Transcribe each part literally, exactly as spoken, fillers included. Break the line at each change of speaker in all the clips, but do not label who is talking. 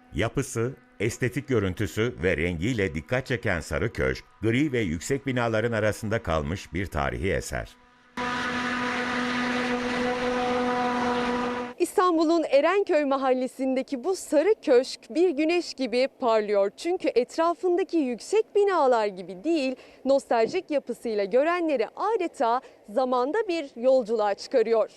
Yapısı, estetik görüntüsü ve rengiyle dikkat çeken Sarı Köşk, gri ve yüksek binaların arasında kalmış bir tarihi eser.
İstanbul'un Erenköy mahallesindeki bu sarı köşk bir güneş gibi parlıyor. Çünkü etrafındaki yüksek binalar gibi değil, nostaljik yapısıyla görenleri adeta zamanda bir yolculuğa çıkarıyor.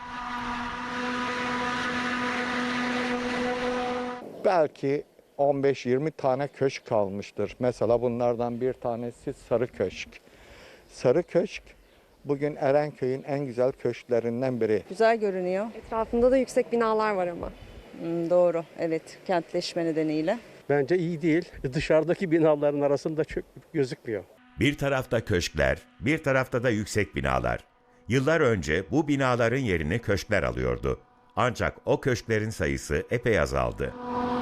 Belki on beş yirmi tane köşk kalmıştır. Mesela bunlardan bir tanesi Sarı Köşk. Sarı Köşk bugün Erenköy'ün en güzel köşklerinden biri.
Güzel görünüyor.
Etrafında da yüksek binalar var ama.
Hmm, doğru, evet, kentleşme nedeniyle.
Bence iyi değil. Dışarıdaki binaların arasında çok gözükmüyor.
Bir tarafta köşkler, bir tarafta da yüksek binalar. Yıllar önce bu binaların yerini köşkler alıyordu. Ancak o köşklerin sayısı epey azaldı.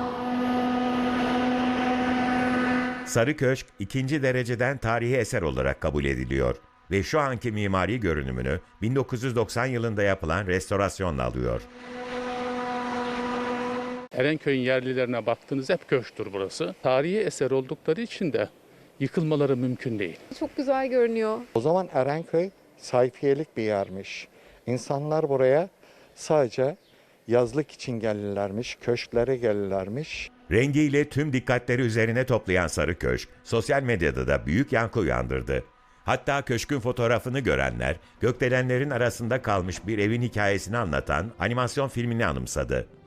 Sarı Köşk ikinci dereceden tarihi eser olarak kabul ediliyor ve şu anki mimari görünümünü bin dokuz yüz doksan yılında yapılan restorasyonla alıyor.
Erenköy'ün yerlilerine baktığınız hep köşktür burası. Tarihi eser oldukları için de yıkılmaları mümkün değil.
Çok güzel görünüyor.
O zaman Erenköy sayfiyelik bir yermiş. İnsanlar buraya sadece yazlık için gelirlermiş, köşklere gelirlermiş.
Rengiyle tüm dikkatleri üzerine toplayan Sarı Köşk, sosyal medyada da büyük yankı uyandırdı. Hatta köşkün fotoğrafını görenler, gökdelenlerin arasında kalmış bir evin hikayesini anlatan animasyon filmini anımsadı.